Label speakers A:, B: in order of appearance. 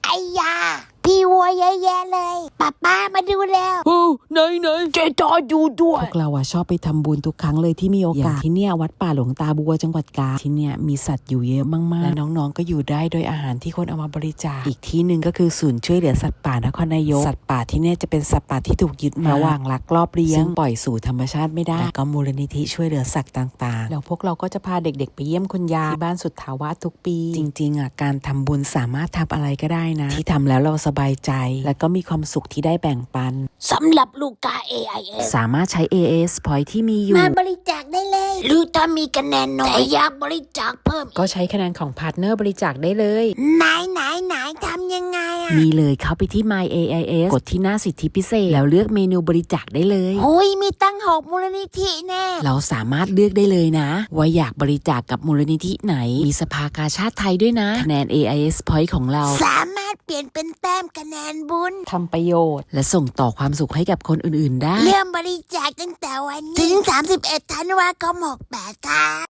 A: ไอ้ยาพี่วัวแย่ๆเลยป้ามาดูแล้ว
B: ไหน
A: เจจออยู่ด้วย
C: พวกเราชอบไปทำบุญทุกครั้งเลยที่มีโอกาสที่เนี่ยวัดป่าหลวงตาบัวจังหวัดกาญที่เนี่ยมีสัตว์อยู่เยอะมากๆและน้องๆก็อยู่ได้โดยอาหารที่คนเอามาบริจาคอีกที่หนึ่งก็คือศูนย์ช่วยเหลือสัตว์ป่านครนายกสัตว์ป่าที่เนี่ยจะเป็นสัตว์ป่าที่ถูกยึดมาระหว่างลักลอบเลี้ยงซึ่งปล่อยสู่ธรรมชาติไม่ได้แต่ก็มูลนิธิช่วยเหลือสัตว์ต่างๆแล้วพวกเราก็จะพาเด็กๆไปเยี่ยมคุณยายที่บ้านสุทธาวาสทุกปีจริงๆการทำบุญสามารถทำอะไรก็ได้นะที่ทำแล้วเราสบายใจและก็มีความสุขที่ได้แบ่งปัน
A: สำหรับลูกกา AIS
C: สามารถใช้ AIS Point ที่มีอยู่
A: มาบริจาคได้เลยหรือถ้ามีคะแนนน้อยแต่อยากบริจาคเพิ่ม
C: ก็ใช้คะแนนของพาร์ทเนอร์บริจาคได้เลย
A: ไหนทำยังไงอะ
C: มีเลยเข้าไปที่ My AIS กดที่หน้าสิทธิพิเศษแล้วเลือกเมนูบริจาคได้เลย
A: โอ้ยมีตั้ง6มูลนิธิแน่
C: เราสามารถเลือกได้เลยนะว่าอยากบริจาคกับมูลนิธิไหนมีสภากาชาติไทยด้วยนะคะแนน AIS Point ของเรา
A: สามารถเปลี่ยนเป็นแต้มคะแนนบุญ
C: ทำประโยชน์และส่งต่อความสุขให้กับคนอื่นๆได้
A: เริ่มบริจาคตั้งแต่วันนี้ถึง31 ธันวาคม 68 ค่ะ